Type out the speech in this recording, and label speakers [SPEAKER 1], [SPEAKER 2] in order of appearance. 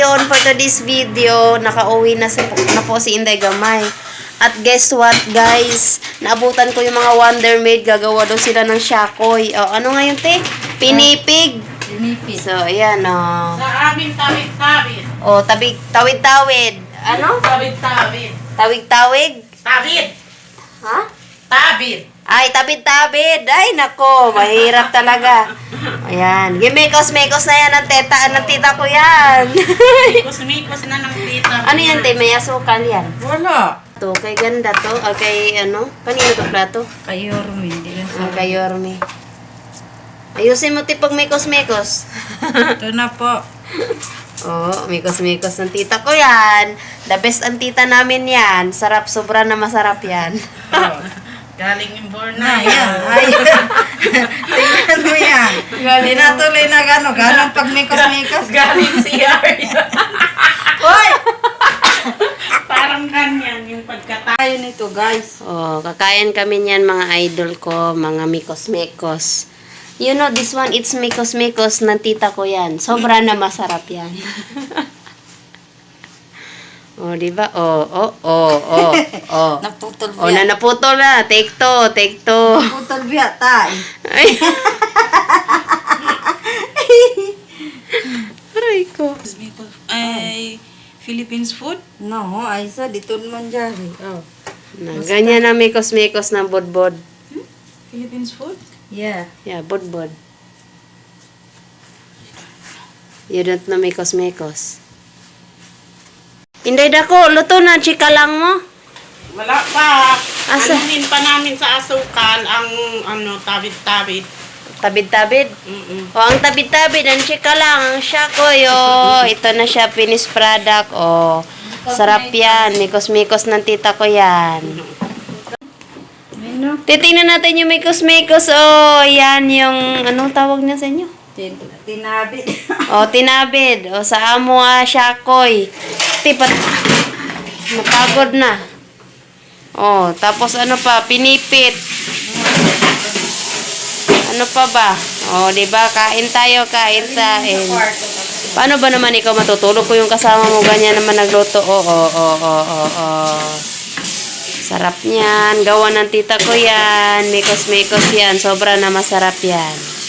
[SPEAKER 1] ayun, for today's video, nakauwi na po si Inday Gamay. At guess what, guys? Naabutan ko yung mga Wonder Maid. Gagawa daw sila ng shakoy. O, ano nga yun, te? Pinipig.
[SPEAKER 2] Pinipig.
[SPEAKER 1] So, ayan, o.
[SPEAKER 3] Sa amin, tawid-tawid.
[SPEAKER 1] O, tawid-tawid. Ano?
[SPEAKER 3] Tawid-tawid.
[SPEAKER 1] Tawig-tawig?
[SPEAKER 3] Tawid.
[SPEAKER 1] Ha?
[SPEAKER 3] Tawid.
[SPEAKER 1] Ay, tabid-tabid. Ay, nako. Mahirap talaga. Ayan. Gimikos-mikos na yan ng tita ko yan.
[SPEAKER 3] Mikos-mikos na ng tita.
[SPEAKER 1] Ano yan, te? May asukal yan.
[SPEAKER 3] Wala.
[SPEAKER 1] To, kay ganda to. O, kay ano? Kanino to plato?
[SPEAKER 2] Kay Yorme. Hindi lang sa...
[SPEAKER 1] Kay Yorme. Ayusin mo, te, pag mikos-mikos.
[SPEAKER 2] Ito na po.
[SPEAKER 1] Oo, mikos-mikos ng tita ko yan. The best ang tita namin yan. Sarap, sobra na masarap yan.
[SPEAKER 3] Oh, galing yung
[SPEAKER 2] Na,
[SPEAKER 3] Bornay.
[SPEAKER 2] yan. Ay. Tingnan mo yan. Hindi na tuloy na gano'n pag mikos-mikos.
[SPEAKER 3] Galing CR.
[SPEAKER 2] Uy!
[SPEAKER 3] Parang ganyan yung pagkatayo.
[SPEAKER 2] Tayo nito, guys.
[SPEAKER 1] Oh, kakain kami niyan mga idol ko, mga mikos-mikos. You know, this one, it's mikos-mikos ng tita ko yan. Sobra na masarap yan. Oh, di ba? Oh.
[SPEAKER 2] Naputol
[SPEAKER 1] Oh,
[SPEAKER 2] biya.
[SPEAKER 1] naputol na. Take two.
[SPEAKER 2] Naputol biya, tay.
[SPEAKER 1] Ay. Aray ko.
[SPEAKER 3] Ay, Philippines food?
[SPEAKER 2] No, ay sa dito naman dyan. Oh.
[SPEAKER 1] Na, ganyan na mikos-mikos ng bodbod.
[SPEAKER 3] Philippines food?
[SPEAKER 2] Yeah.
[SPEAKER 1] Yeah, bodbod. You don't know mikos-mikos. Inday dako, luto na, chika lang mo.
[SPEAKER 3] Wala pa.
[SPEAKER 1] Asa?
[SPEAKER 3] Anuhin pa namin sa asukal ang tawid-tawid.
[SPEAKER 1] Tabid-tabid. O, ang tabid-tabid, ang chika lang, ang shakoy, o. Ito na siya, finished product, o. Sarap yan, mikos-mikos ng tita ko yan.
[SPEAKER 2] Ano?
[SPEAKER 1] Titingnan natin yung mikos-mikos, o. Yan yung, anong tawag niya sa inyo?
[SPEAKER 2] Tinabit.
[SPEAKER 1] O, tinabid. O, sa amo, shakoy. Tipat. Napagod na. O, tapos ano pa, pinipit. Ano pa ba? O, diba? Kain tayo, kain. Paano ba naman ikaw matutulog ko yung kasama mo ganyan naman nagluto? Oo. Sarap niyan. Gawa ng tita ko yan. Mikos-mikos yan. Sobra na masarap yan.